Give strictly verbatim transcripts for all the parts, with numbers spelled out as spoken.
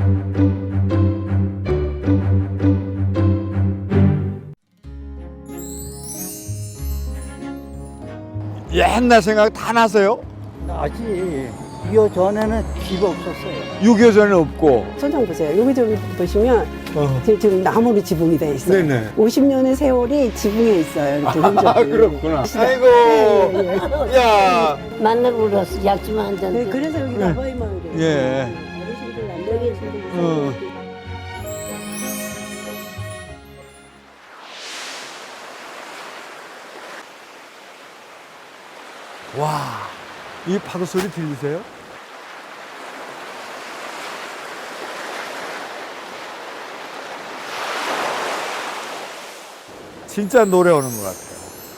옛날 생각 다 나세요? 나지. 이 전에는 집 없었어요. 육이오 전에 없고. 천장 보세요. 여기 좀 보시면 어. 지금- 지금 나무로 지붕이 돼 있어요. 네네. 오십 년의 세월이 지붕에 있어요. 이렇게 흔적이. 아, 그렇구나. 아이고. 예, 예. 야. 만나고 울었어. 약 좀 한 잔. 네, 그래서 여기 네. 나바이 마을이에요. 예. 어르신들 남자 계신들 어. 와, 이 파도 소리 들리세요? 진짜 노래 오는 것 같아요.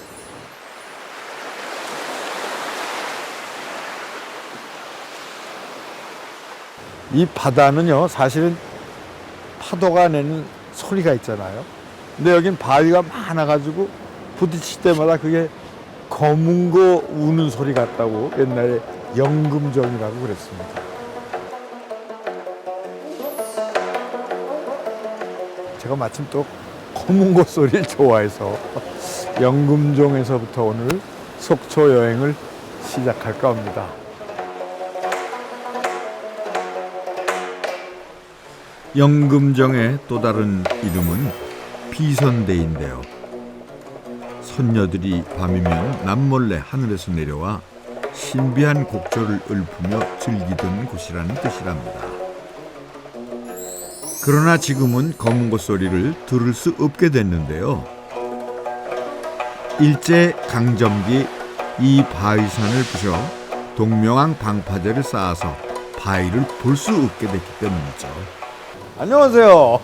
이 바다는요, 사실은 파도가 내는 소리가 있잖아요. 근데 여긴 바위가 많아가지고 부딪힐 때마다 그게 검은 거 우는 소리 같다고 옛날에 영금정이라고 그랬습니다. 제가 마침 또 검은 거 소리를 좋아해서 영금정에서부터 오늘 속초 여행을 시작할까 합니다. 영금정의 또 다른 이름은 비선대인데요. 선녀들이 밤이면 남몰래 하늘에서 내려와 신비한 곡조를 읊으며 즐기던 곳이라는 뜻이랍니다. 그러나 지금은 검은 고 소리를 들을 수 없게 됐는데요. 일제 강점기 이 바위산을 부셔 동명항 방파제를 쌓아서 바위를 볼 수 없게 됐기 때문이죠. 안녕하세요.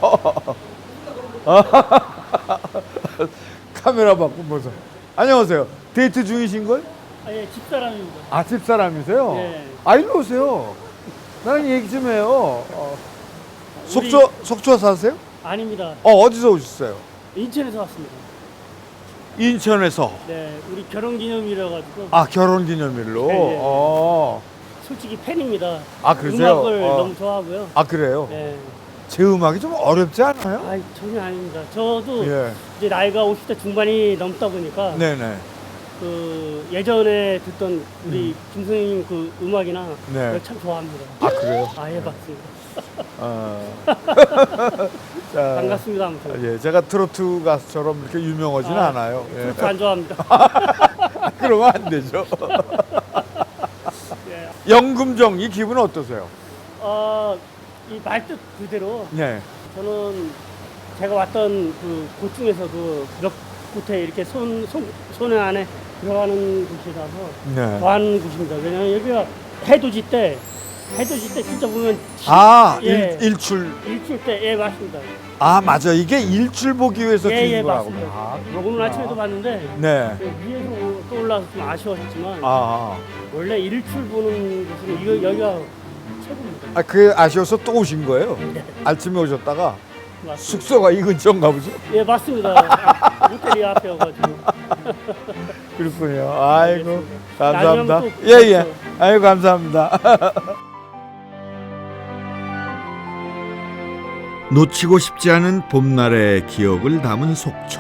카메라 바꾸면서. 안녕하세요. 데이트 중이신 걸? 아, 예, 집사람입니다. 아, 집사람이세요? 네. 아, 일로 오세요. 나랑 얘기 좀 해요. 어. 우리- 속초, 속초 사세요? 아닙니다. 어, 어디서 오셨어요? 인천에서 왔습니다. 인천에서. 네, 우리 결혼 기념일이라 가지고 아, 결혼 기념일로? 네, 네. 어. 솔직히 팬입니다. 아, 그러세요? 음악을 어. 너무 좋아하고요. 아, 그래요? 네. 제 음악이 좀 어렵지 않아요? 아, 전혀 아닙니다. 저도 예. 이제 나이가 오십 대 중반이 넘다 보니까 네네. 그 예전에 듣던 우리 김 선생님 그 음악이나 네. 그걸 참 좋아합니다. 아, 그래요? 아, 예, 맞습니다. 어. 자, 반갑습니다. 아무튼. 예, 제가 트로트 가수처럼 이렇게 유명하지는 아, 않아요. 예. 그렇게 안 좋아합니다. 그러면 안 되죠. 예. 영금정 이 기분 어떠세요? 어, 이 말뜻 그대로 네. 저는 제가 왔던 그 곳 중에서도 몇 곳에 이렇게 손, 손, 손에 안에 들어가는 곳이라서 네. 좋아하는 곳입니다. 왜냐면 여기가 해돋이 때, 해돋이 때 진짜 보면 지- 아, 예. 일, 일출. 일출 때, 예, 맞습니다. 아, 맞아. 이게 일출 보기 위해서 예, 예, 찍은 거라고. 맞습니다. 아, 오늘 아침에도 봤는데 네. 그 위에서 또 올라와서 좀 아쉬웠지만 아, 원래 일출 보는 곳은 이거, 여기가 최고입니다. 아, 그 아쉬워서 또 오신 거예요? 아침에 오셨다가 맞습니다. 숙소가 이 근처인가 보죠? 예, 맞습니다. 아, 롯데리아 앞에여가지고. 그렇군요. 아이고, 알겠습니다. 감사합니다. 나중에 또 예, 예. 아이고, 감사합니다. 놓치고 싶지 않은 봄날의 기억을 담은 속초.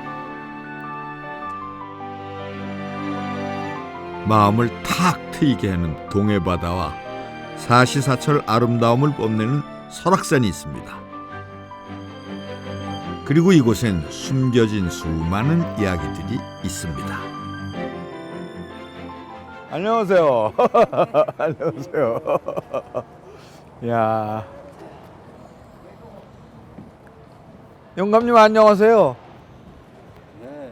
마음을 탁 트이게 하는 동해바다와 사시사철 아름다움을 뽐내는 설악산이 있습니다. 그리고 이곳엔 숨겨진 수많은 이야기들이 있습니다. 안녕하세요. 안녕하세요. 야. 영감님 안녕하세요. 네.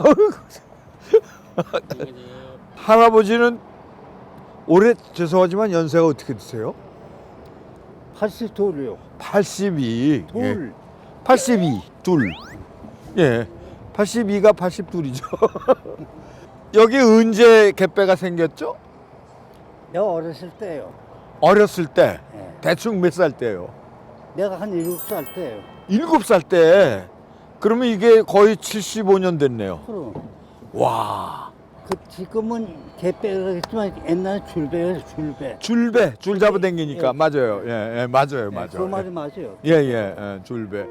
할아버지는 올해 죄송하지만 연세가 어떻게 되세요? 팔십이요. 팔십이. 돌. 예. 팔십이. 둘. 예. 팔십이가 팔십이죠. 여기 언제 갯배가 생겼죠? 내가 어렸을 때요. 어렸을 때. 예. 대충 몇 살 때요? 내가 한 일곱 살 때요. 일곱 살 때. 그러면 이게 거의 칠십오 년 됐네요. 그럼 와. 그 지금은 개배겠지만 옛날에 줄배예요, 줄배. 줄배, 줄 잡아 당기니까. 예. 맞아요. 예, 예, 맞아요, 맞아요. 그 말이 맞아요. 예, 예, 예, 줄배.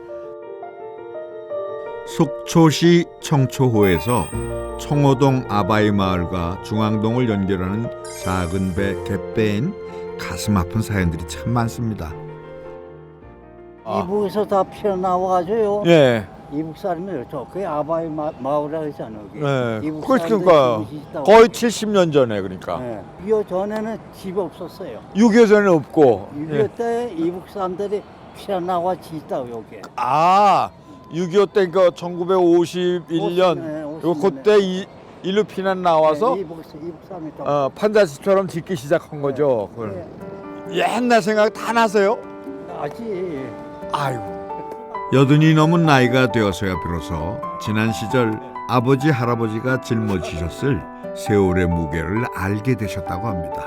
속초시 청초호에서 청호동 아바이 마을과 중앙동을 연결하는 작은 배 갯배엔 가슴 아픈 사연들이 참 많습니다. 아. 이북에서 다 피어나와가지고요. 예, 이북 사람이 저 그게 아바이 마, 마을이라고 했잖아요. 여기. 예. 이북 그러니까 사람들이 집이 있다고. 거의 칠십 년 전에 그러니까. 예. 이거 전에는 집이 없었어요. 육이오 전에는 없고. 육이오 예. 때 이북 사람들이 피어나와 짓다고 여기. 아, 육이오 때 그 천구백오십일 년 네, 요 오십 년. 그때 이, 일로 피난 나와서 네, 이북, 이북 사람이 또. 어, 판자집처럼 짓기 시작한 거죠. 그걸. 옛날 생각 다 나세요? 아직. 아이고. 여든이 넘은 나이가 되어서야 비로소 지난 시절 아버지 할아버지가 짊어지셨을 세월의 무게를 알게 되셨다고 합니다.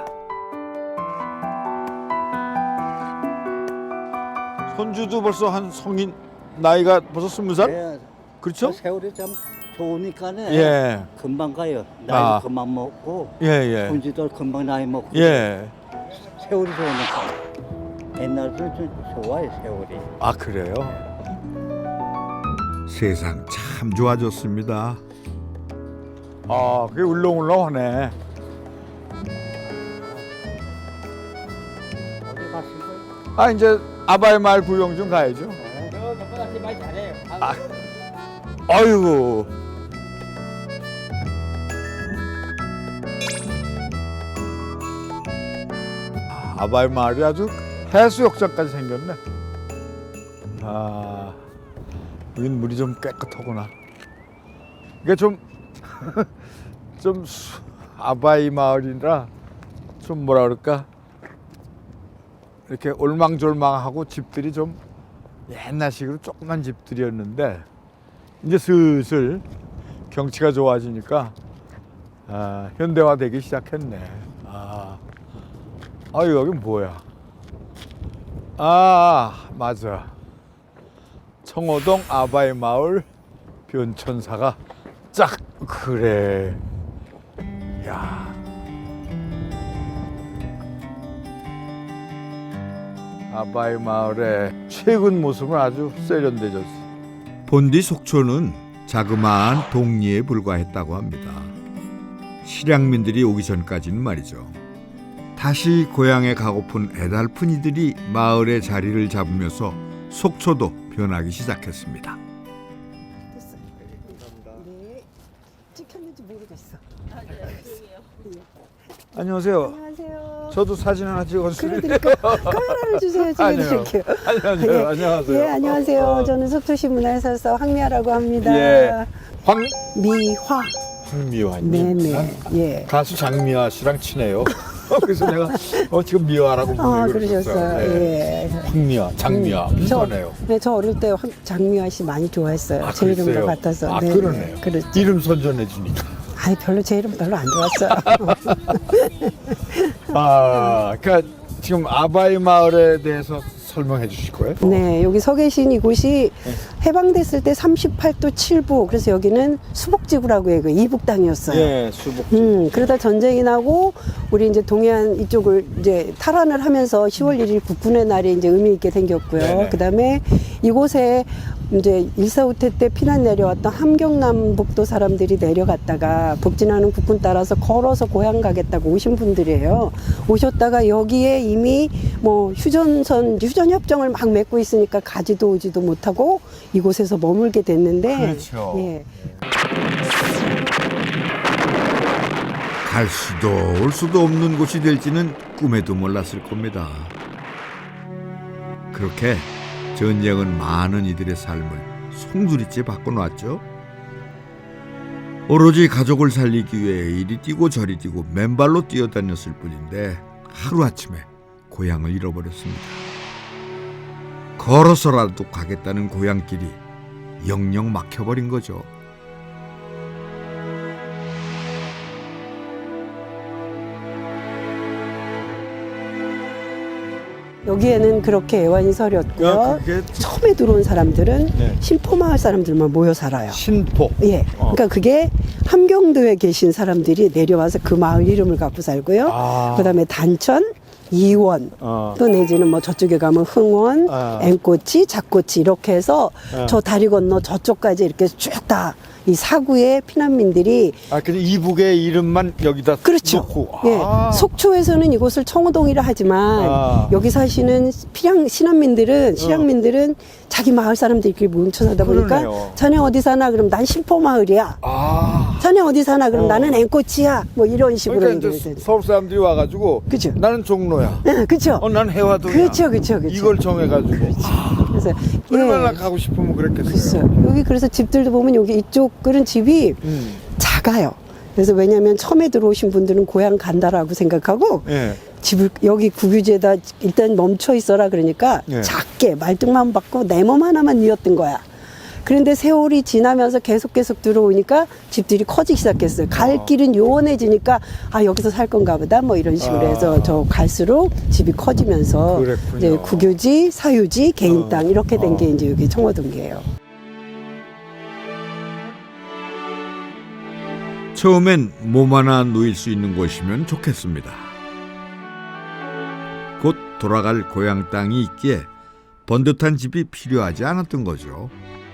손주도 벌써 한 성인 나이가 벌써 스무 살? 네, 그렇죠? 그 세월이 참 좋으니까네. 예, 금방 가요. 나이 아. 금방 먹고. 예, 예, 손주도 금방 나이 먹고. 예. 세월이 좋으니까. 옛날에는 좀 좋아요, 세월이. 아 그래요? 세상 참 좋아졌습니다. 아, 그게 울렁울렁하네. 어디 가신 거예요? 아 이제 아바이 마을 구경 좀 가야죠. 네. 저보다 말 잘해요. 아, 아이고. 아, 아바이 마을이 아주 해수욕장까지 생겼네. 아, 여긴 물이 좀 깨끗하구나. 이게 좀, 좀 수- 아바이 마을이라 좀 뭐라 그럴까? 이렇게 올망졸망하고 집들이 좀 옛날식으로 조그만 집들이었는데 이제 슬슬 경치가 좋아지니까 아, 현대화되기 시작했네. 아, 아 여기 뭐야? 아 맞아. 청호동 아바이 마을 변천사가 쫙 그래. 야. 아바이 마을의 최근 모습은 아주 세련되졌어. 본디 속초는 자그마한 동리에 불과했다고 합니다. 실향민들이 오기 전까지는 말이죠. 다시 고향에 가고픈 애달픈 이들이 마을의 자리를 잡으면서 속초도 변하기 시작했습니다. 됐어요. 네. 찍혔는지 모르겠어. 안녕하세요. 안녕하세요. 저도 사진 하나 찍어주세요. 그러니까 카메라를 주세요. 아니요. 찍어드릴게요. 안녕하세요. 예. 안녕하세요. 예, 안녕하세요. 어, 저는 속초시 문화해설사 황미아라고 합니다. 예. 황 미화. 황미화님. 네네. 예. 가수 장미화 씨랑 친해요. 그래서 내가 어, 지금 미화라고 아, 부르고 그러셨어요. 예. 황미화, 장미화 음, 저, 비슷하네요. 네, 저 어릴 때 황, 장미화 씨 많이 좋아했어요. 아, 제 이름과 그랬어요? 같아서. 아, 네, 그러네요. 네, 그렇죠. 이름 선전해 주니까. 아니, 별로 제 이름 별로 안 좋았어요. 아, 그러니까 지금 아바이 마을에 대해서 설명해 주실 거예요? 네, 여기 서 계신 이곳이 해방됐을 때 삼십팔 도 칠 부, 그래서 여기는 수복지구라고 해요. 그 이북 땅이었어요. 예, 수복. 음, 그러다 전쟁이 나고 우리 이제 동해안 이쪽을 이제 탈환을 하면서 시월 일 일 국군의 날이 이제 의미 있게 생겼고요. 네네. 그다음에 이곳에 이제 일사후퇴 때 피난 내려왔던 함경남북도 사람들이 내려갔다가 북진하는 국군 따라서 걸어서 고향 가겠다고 오신 분들이에요. 오셨다가 여기에 이미 뭐 휴전선 휴전협정을 막 맺고 있으니까 가지도 오지도 못하고 이곳에서 머물게 됐는데, 그렇죠. 예. 갈 수도 올 수도 없는 곳이 될지는 꿈에도 몰랐을 겁니다. 그렇게 전쟁은 많은 이들의 삶을 송두리째 바꿔놓았죠. 오로지 가족을 살리기 위해 이리 뛰고 저리 뛰고 맨발로 뛰어다녔을 뿐인데 하루아침에 고향을 잃어버렸습니다. 걸어서라도 가겠다는 고향길이 영영 막혀버린 거죠. 여기에는 그렇게 애완이 서렸고요. 야, 그게 처음에 들어온 사람들은 네. 신포마을 사람들만 모여 살아요. 신포. 예. 어. 그러니까 그게 함경도에 계신 사람들이 내려와서 그 마을 이름을 갖고 살고요. 아. 그다음에 단천, 이원, 어. 또 내지는 뭐 저쪽에 가면 흥원, 아. 앵꼬치, 잡꼬치 이렇게 해서 아. 저 다리 건너 저쪽까지 이렇게 쭉 다 이 사구의 피난민들이 아, 근데 이북의 이름만 여기다 그렇죠. 놓고. 예, 아. 속초에서는 이곳을 청호동이라 하지만 아. 여기 사시는 피량 신안민들은 실향민들은 자기 마을 사람들끼리 뭉쳐 사다 보니까 그러네요. 자네 어디 사나 그럼 난 신포 마을이야. 아. 자네 어디 사나 그럼 어. 나는 앵꼬치야. 뭐 이런 식으로 그러니까 얘기를 이제 해요. 서울 사람들이 와가지고 그죠. 나는 종로야. 예, 그렇죠. 어, 난 해화동이야. 그렇죠, 그렇죠, 그렇죠. 이걸 정해가지고. 그래서 얼마나 예, 가고 싶으면 그랬겠어요. 있어요. 여기 그래서 집들도 보면 여기 이쪽 그런 집이 음. 작아요. 그래서 왜냐하면 처음에 들어오신 분들은 고향 간다라고 생각하고 예. 집을 여기 국유지에다 일단 멈춰 있어라 그러니까 예. 작게 말뚝만 받고 내 몸 하나만 뉘었던 거야. 그런데 세월이 지나면서 계속 계속 들어오니까 집들이 커지기 시작했어요. 갈 길은 요원해지니까 아 여기서 살 건가 보다 뭐 이런 식으로 아. 해서 저 갈수록 집이 커지면서 그랬군요. 이제 국유지, 사유지, 개인 어. 땅 이렇게 된 게 어. 이제 여기 청호동이에요. 처음엔 몸 하나 누일 수 있는 곳이면 좋겠습니다. 곧 돌아갈 고향 땅이 있기에 번듯한 집이 필요하지 않았던 거죠.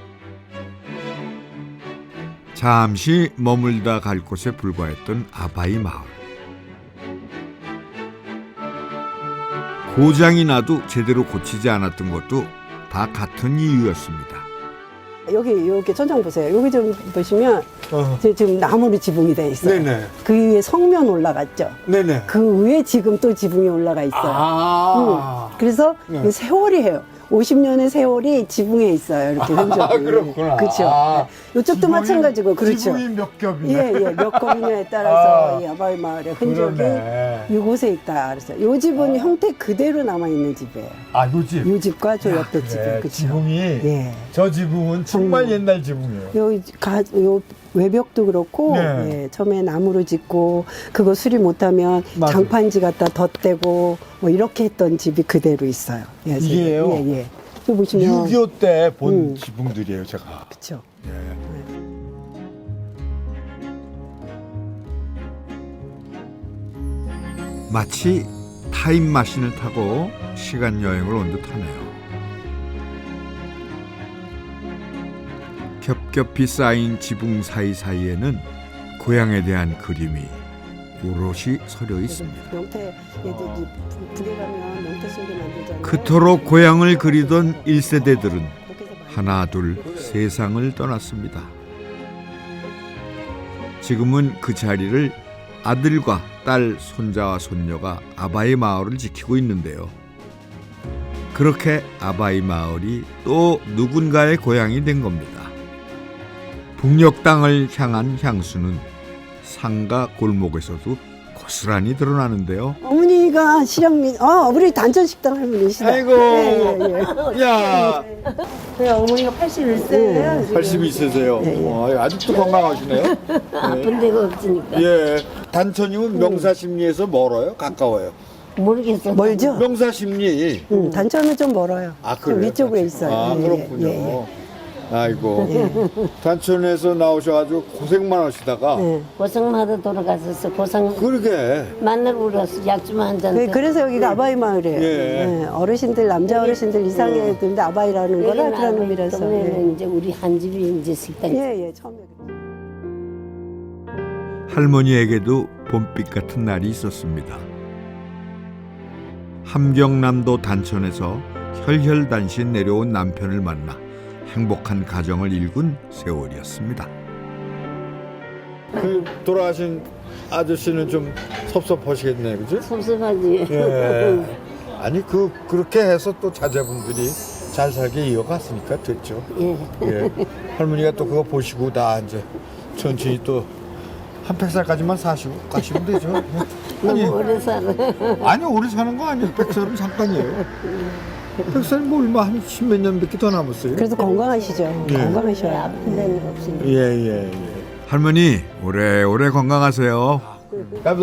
잠시 머물다 갈 곳에 불과했던 아바이 마을. 고장이 나도 제대로 고치지 않았던 것도 다 같은 이유였습니다. 여기 이렇게 천장 보세요. 여기 좀 보시면 어. 지- 지금 나무로 지붕이 돼 있어요. 네네. 그 위에 성면 올라갔죠. 네네. 그 위에 지금 또 지붕이 올라가 있어요. 아. 음. 그래서 네. 이 세월이에요. 오십 년의 세월이 지붕에 있어요. 이렇게 흔적이. 아, 그렇구나. 그렇죠. 아. 네. 이쪽도 지붕이- 마찬가지고 그렇죠. 지붕이 몇 겹이네. 예, 예. 몇 겁이냐에 따라서 아. 이 아바이 마을의 흔적이 그러네. 이곳에 있다. 그래서 이 집은 형태 그대로 남아 있는 집이에요. 아, 요 집. 이 집과 저 옆에 그래, 집은 그렇죠. 지붕이 예. 저 지붕은 정말 음. 옛날 지붕이에요. 요, 가, 요 외벽도 그렇고 네. 예, 처음에 나무로 짓고 그거 수리 못하면 맞아요. 장판지 갖다 덧대고 뭐 이렇게 했던 집이 그대로 있어요. 예, 이게요? 예, 예. 저 보시면 육이오 때 본 음. 지붕들이에요, 제가. 그렇죠. 마치 타임마신을 타고 시간 여행을 온 듯하네요. 겹겹이 쌓인 지붕 사이사이에는 고향에 대한 그림이 오롯이 서려 있습니다. 명태 얘들 이 부- 북에 가면 명태 순대 만들잖아요. 그토록 고향을 그리던 일 세대들은 그렇게 해서 많이 하나 둘 세상을 떠났습니다. 지금은 그 자리를 아들과 딸, 손자와 손녀가 아바이 마을을 지키고 있는데요. 그렇게 아바이 마을이 또 누군가의 고향이 된 겁니다. 북녘 땅을 향한 향수는 상가 골목에서도 고스란히 드러나는데요. 어머니가 실향민, 어, 우리 단전 식당 할머니시다. 아이고. 예, 예, 예. 야, 네, 어머니가 팔십일 세예요. 팔십이 세세요. 와, 아직도 건강하시네요. 아픈 데가 없으니까 예. 단천이면 명사심리에서 멀어요? 가까워요? 모르겠어. 멀죠? 명사심리. 음, 단천은 좀 멀어요. 아, 좀 그래요? 위쪽에 있어요. 아, 예, 그렇군요. 예, 예. 아이고. 단천에서 나오셔가지고 고생만 하시다가. 예. 고성마다 돌아갔었어. 고성 그러게. 만나러 울었어. 약 좀 한 잔. 그- 그래서 여기가 아바이 마을이에요. 예. 예, 어르신들 남자 어르신들 이상해 그런데 아바이라는 거라 그런 의미라서. 예. 동네는 이제 우리 한 집이 이제 식당이. 예, 예, 처음에. 할머니에게도 봄빛 같은 날이 있었습니다. 함경남도 단천에서 혈혈단신 내려온 남편을 만나 행복한 가정을 일군 세월이었습니다. 그 돌아가신 아저씨는 좀 섭섭하시겠네, 그죠? 섭섭하지. 예. 아니 그 그렇게 해서 또 자제분들이 잘 살게 이어갔으니까 됐죠. 예. 예. 할머니가 또 그거 보시고 나 이제 천천히 또 한 백 살까지만 사시고 가시면 되죠. 아니 너무 오래 살아. 아니 오래 사는 거 아니에요. 백 살은 잠깐이에요. 백 살이 뭐 얼마 한 십몇 년밖에 더 남았어요. 그래도 건강하시죠. 예. 건강하셔요. 아픈 데는 없으니까. 예예 예. 할머니 오래오래 건강하세요.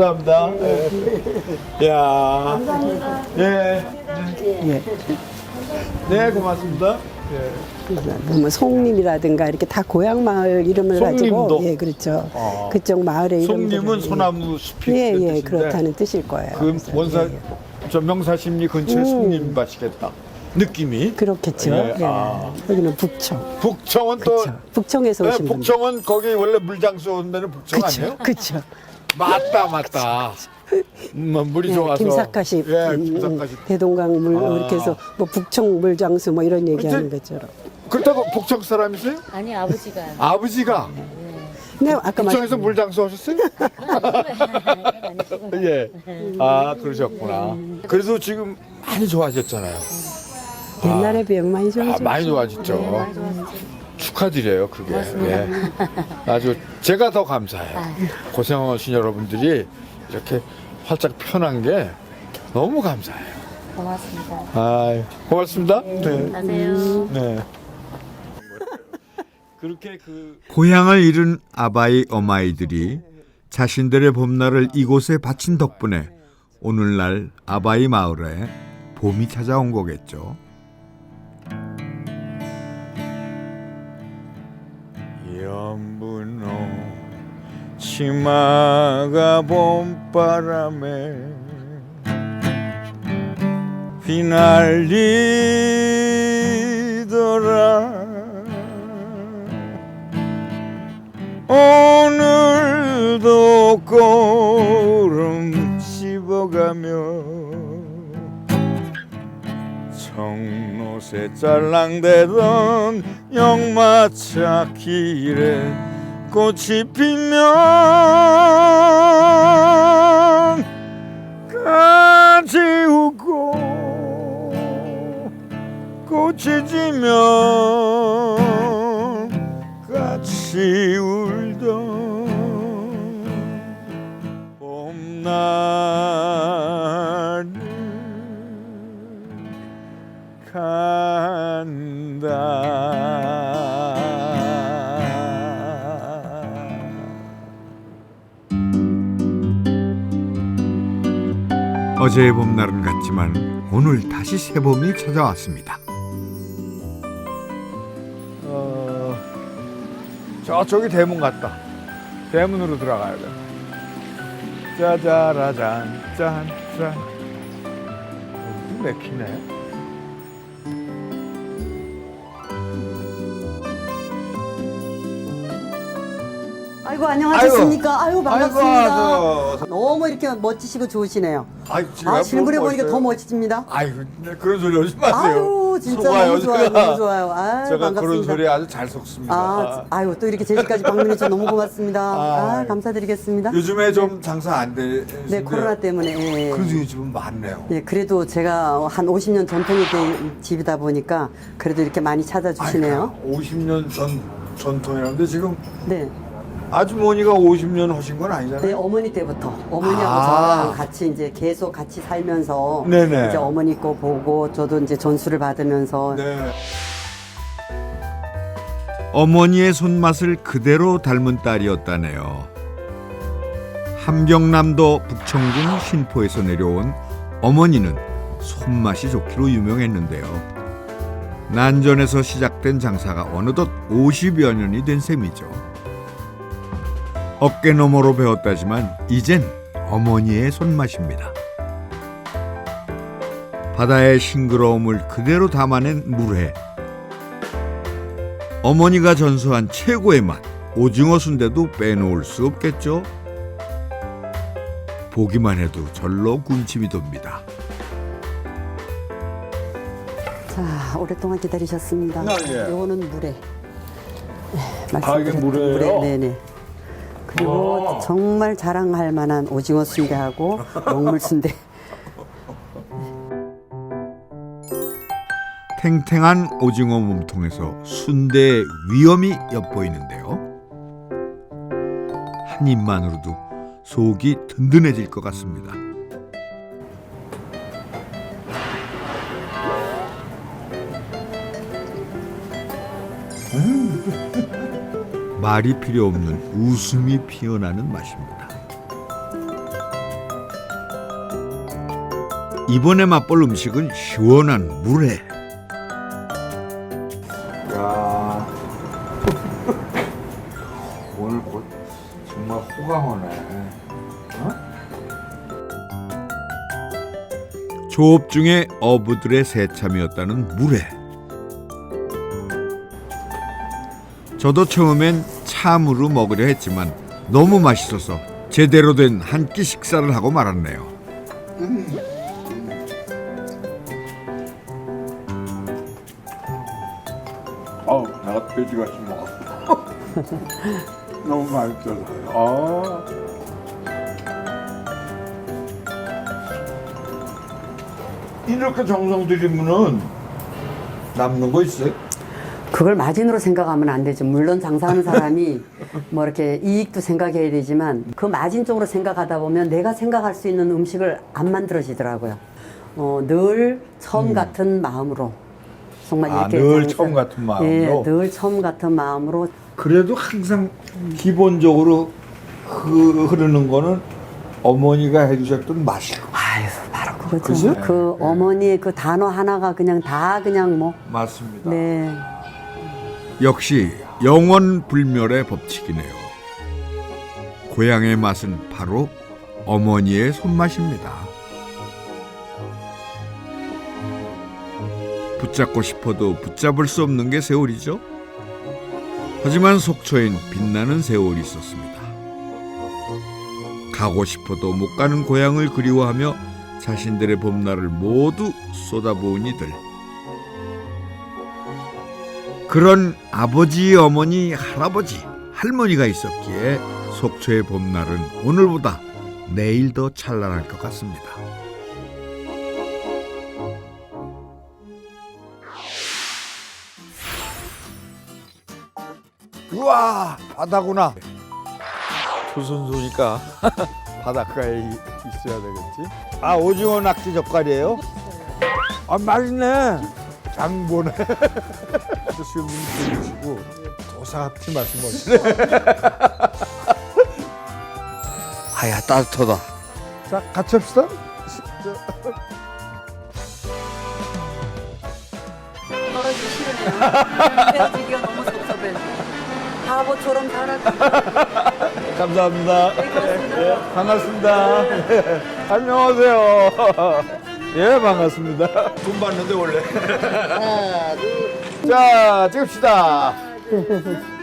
감사합니다. 예. 야. 감사합니다. 예. 예. 네, 고맙습니다. 예. 뭐 송림이라든가 이렇게 다 고향 마을 이름을 송림도? 가지고 예 그렇죠. 아. 그쪽 마을의 이름들을 송림은 예. 소나무 숲이 예, 그런 예, 뜻인데 그렇다는 뜻일 거예요. 그 그래서, 원사 예, 예. 저 명사십리 근처에 음. 송림밭이겠다. 느낌이. 그렇겠죠. 예, 예. 아. 여기는 북청. 북청은 또 그렇죠. 북청에서 네, 오신 분들. 북청은 거기 원래 물장수 온 데는 북청 아니에요? 그렇죠. 맞다 맞다. 음, 물이 예, 좋아서. 김사카시, 예, 음, 김사카시. 대동강 물 아. 이렇게 해서 뭐 북청 물장수 뭐 이런 얘기하는 근데- 것처럼. 그렇다고 북청 사람이세요? 아니 아버지가 아버지가 근데 아까 북청에서 말씀 물장수 하셨어요? 예. 아 그러셨구나. 그래서 지금 많이 좋아졌잖아요. 옛날에 비하면 많이 아, 좋아졌죠. 많이 좋아졌죠. 축하드려요 그게. 예. 아주 제가 더 감사해요. 고생하신 여러분들이 이렇게 활짝 편한 게 너무 감사해요. 고맙습니다. 아 고맙습니다. 네. 가세요. 네. 그렇게 그 고향을 잃은 아바이 어마이들이 자신들의 봄날을 이곳에 바친 덕분에 오늘날 아바이 마을에 봄이 찾아온 거겠죠. 연분홍 치마가 봄바람에 휘날리더라. 오늘도 꼬름 씹어가며 청로새 짤랑대던 역마차 길에 꽃이 피면 같이 웃고 꽃이 지면 같이 울던 봄날이 간다. 어제의 봄날은 같지만 오늘 다시 새봄이 찾아왔습니다. 어, 저쪽이 대문 같다. 대문으로 들어가야 돼. 짜자라잔 짠짠. 여기 맥히네. 아이고 안녕하셨습니까? 아이고, 아이고, 반갑습니다. 아이고. 너무 이렇게 멋지시고 좋으시네요. 아이, 아 실물에 보니까 더 멋집니다. 아이고 그런 소리 하지 마세요. 아유 진짜 속아요, 너무 좋아요, 제가. 너무 좋아요. 아유 제가 반갑습니다. 그런 소리 아주 잘 속습니다. 아, 아유 또 이렇게 제주까지 방문해 주셔서 너무 고맙습니다. 아, 아이. 감사드리겠습니다. 요즘에 좀 장사 안 돼. 네 코로나 때문에. 예. 그래도 요즘은 많네요. 예, 그래도 제가 한 오십 년 전통이 된 집이다 보니까 그래도 이렇게 많이 찾아주시네요. 오십 년 전 전통이라는데 지금 네. 아주머니가 오십 년 하신 건 아니잖아요. 네, 어머니 때부터 어머니하고 아. 저랑 같이 이제 계속 같이 살면서 네네. 이제 어머니 거 보고 저도 이제 전수를 받으면서 네. 어머니의 손맛을 그대로 닮은 딸이었다네요. 함경남도 북청군 신포에서 내려온 어머니는 손맛이 좋기로 유명했는데요. 난전에서 시작된 장사가 어느덧 오십여 년이 된 셈이죠. 어깨너머로 배웠다지만 이젠 어머니의 손맛입니다. 바다의 싱그러움을 그대로 담아낸 물회. 어머니가 전수한 최고의 맛, 오징어 순대도 빼놓을 수 없겠죠. 보기만 해도 절로 군침이 돕니다. 자 오랫동안 기다리셨습니다. 아, 예. 요거는 물회. 네, 아, 이게 말씀드렸던 물회예요? 물회. 네네. 그리고 아. 정말 자랑할 만한 오징어 순대하고 먹물 순대. 탱탱한 오징어 몸통에서 순대의 위엄이 엿보이는데요. 한 입만으로도 속이 든든해질 것 같습니다. 말이 필요 없는 웃음이 피어나는 맛입니다. 이번에 맛볼 음식은 시원한 물회. 정말 호강하네. 어? 조업 중에 어부들의 새참이었다는 물회. 저도 처음엔 참으로 먹으려 했지만 너무 맛있어서 제대로 된 한 끼 식사를 하고 말았네요. 어우, 내가 돼지같이 먹었어. 너무 맛있어서. 아. 이렇게 정성 들이면은 남는 거 있어요? 그걸 마진으로 생각하면 안 되죠. 물론 장사하는 사람이 뭐 이렇게 이익도 생각해야 되지만 그 마진 쪽으로 생각하다 보면 내가 생각할 수 있는 음식을 안 만들어지더라고요. 어, 늘 처음 같은 마음으로 정말 아, 이렇게 늘 장사- 처음 같은 마음으로? 예, 늘 처음 같은 마음으로. 그래도 항상 기본적으로 그 흐르는 거는 어머니가 해주셨던 맛이고. 아유, 바로 그거죠. 그죠? 그 네. 어머니의 그 단어 하나가 그냥 다 그냥 뭐. 맞습니다. 네. 역시 영원 불멸의 법칙이네요. 고향의 맛은 바로 어머니의 손맛입니다. 붙잡고 싶어도 붙잡을 수 없는 게 세월이죠. 하지만 속초엔 빛나는 세월이 있었습니다. 가고 싶어도 못 가는 고향을 그리워하며 자신들의 봄날을 모두 쏟아부은 이들. 그런 아버지, 어머니, 할아버지, 할머니가 있었기에 속초의 봄날은 오늘보다 내일 더 찬란할 것 같습니다. 우와, 바다구나. 조선소니까 바닷가에 이- 있어야 되겠지. 아, 오징어 낙지 젓갈이에요? 아, 맛있네. 장보네. 수염님 드시고 도사같이 말씀하시네. 아야, 따뜻하다. 자, 같이 합시다. 떨어지기 싫으네요. 헤어지기가 너무 섭섭해. 바보처럼 살았지. 감사합니다. 예, 반갑습니다. 예, 안녕하세요. 예, 반갑습니다. 돈 받는데 원래. 하나, 둘. 자, 찍읍시다.